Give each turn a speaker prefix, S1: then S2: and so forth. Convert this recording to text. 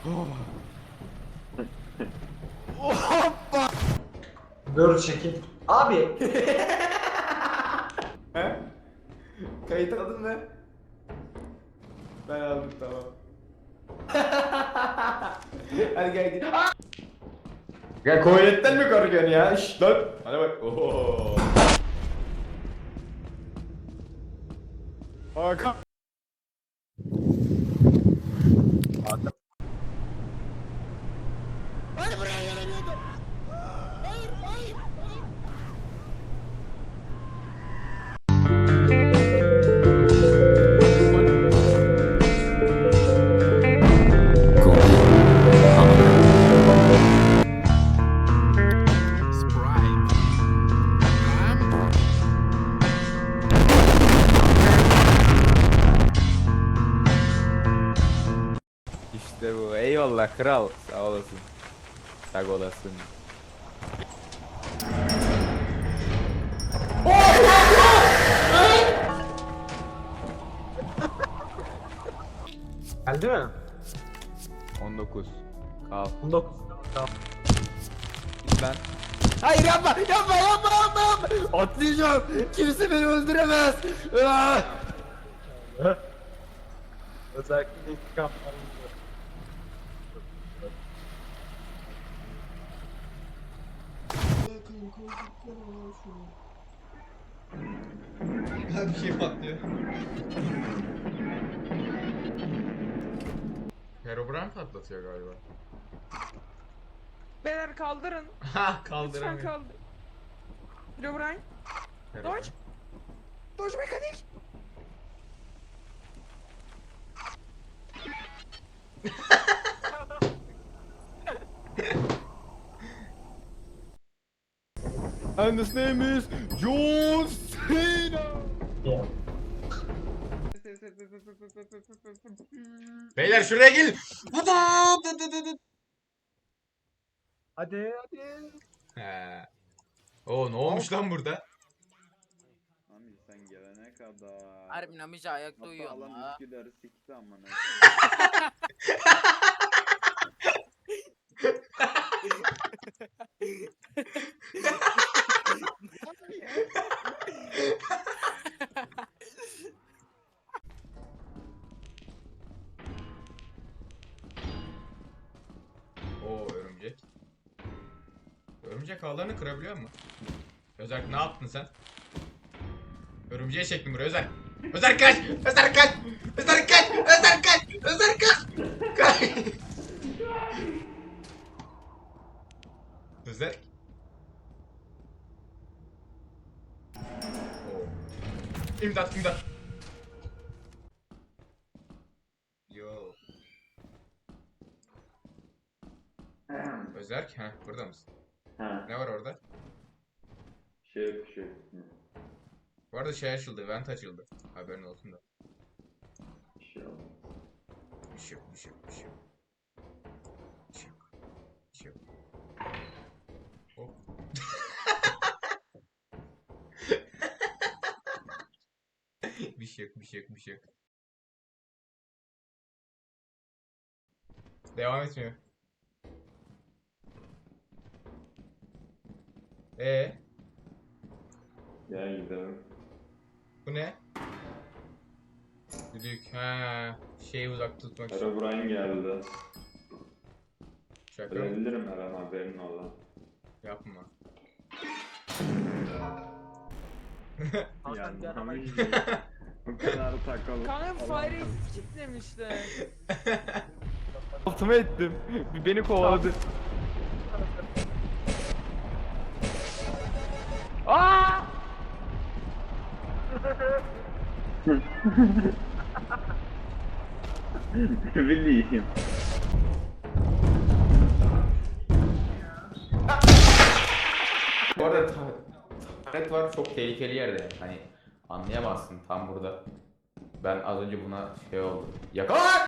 S1: Hoppa.
S2: Dur çekil. Abi.
S1: He? Kayıt aldın mı? Ben aldım, tamam. Hadi gel git. Gel, Koyet'ten mi korkuyorsun ya? Şşt lan. Hadi bak. Oho. Hakan.
S3: Hadi buraya gelemiyordum. Hayır, hayır, hayır.
S1: İşte bu. Eyvallah kral. Sağ olasın. Sağ olasın.
S2: Geldi mi?
S1: 19. Kal.
S2: 19. Tamam.
S1: Git lan. Hayır, yapma yapma yapma yapma yapma. Atlayacağım. Kimse beni öldüremez. Ah!
S2: Özellikle intikam alındı.
S4: Bir şey patlıyor. Herobrine patlatıyor galiba.
S5: Beyler kaldırın.
S4: Ha
S5: Lütfen
S4: kaldıramıyor.
S5: kaldır. Herobrine.
S4: Herobrine.
S5: Dodge. Dodge mekanik.
S1: And his name is John Cena.
S2: Yeah.
S4: Beyler şuraya gelin.
S2: Hadi hadi.
S4: He. Oo ne olmuş lan burada?
S6: Abi sen gelene kadar.
S7: Harbi Namici ayakta uyuyor
S6: Hatta
S7: ama.
S6: alan Üsküdar'ı sikti amına.
S4: Oo örümcek. Örümcek ağlarını kırabiliyor mu? Özerk ne yaptın sen? Örümceğe çektim buraya Özerk. Özerk kaç! Özerk kaç! Özerk kaç! Özerk kaç! Özerk kaç! Kaç! Özerk. Oo. İmdat imdat. Yo. Özerk, ha burada mısın?
S6: Ha,
S4: Ne var orada?
S6: şey.
S4: Bu arada şey açıldı, vent açıldı. Haberin olsun da.
S6: Şey oldu.
S4: Bir şey yok, bir şey yok, bir şey yok. Bir şey yok. Bir şey yok. Hop. Bir şey yok, bir şey yok, bir şey yok. Devam etmiyor.
S6: Gel gidelim.
S4: Bu ne? Düdük, ha, şeyi uzak tutmak için.
S6: Herobrine geldi.
S4: Şaka mı?
S6: Ölebilirim her an haberin ola.
S4: Yapma.
S2: Hakan bir araba
S6: Yanlamış. Bu kadar takılı.
S5: Kanka fire exit kitlemişler.
S1: Altıma ettim. Beni kovaladı. Aa!
S6: Ne bileyim.
S1: Bu arada taret var, çok tehlikeli yerde. Hani anlayamazsın tam burada. Ben az önce buna şey oldu. Yakala!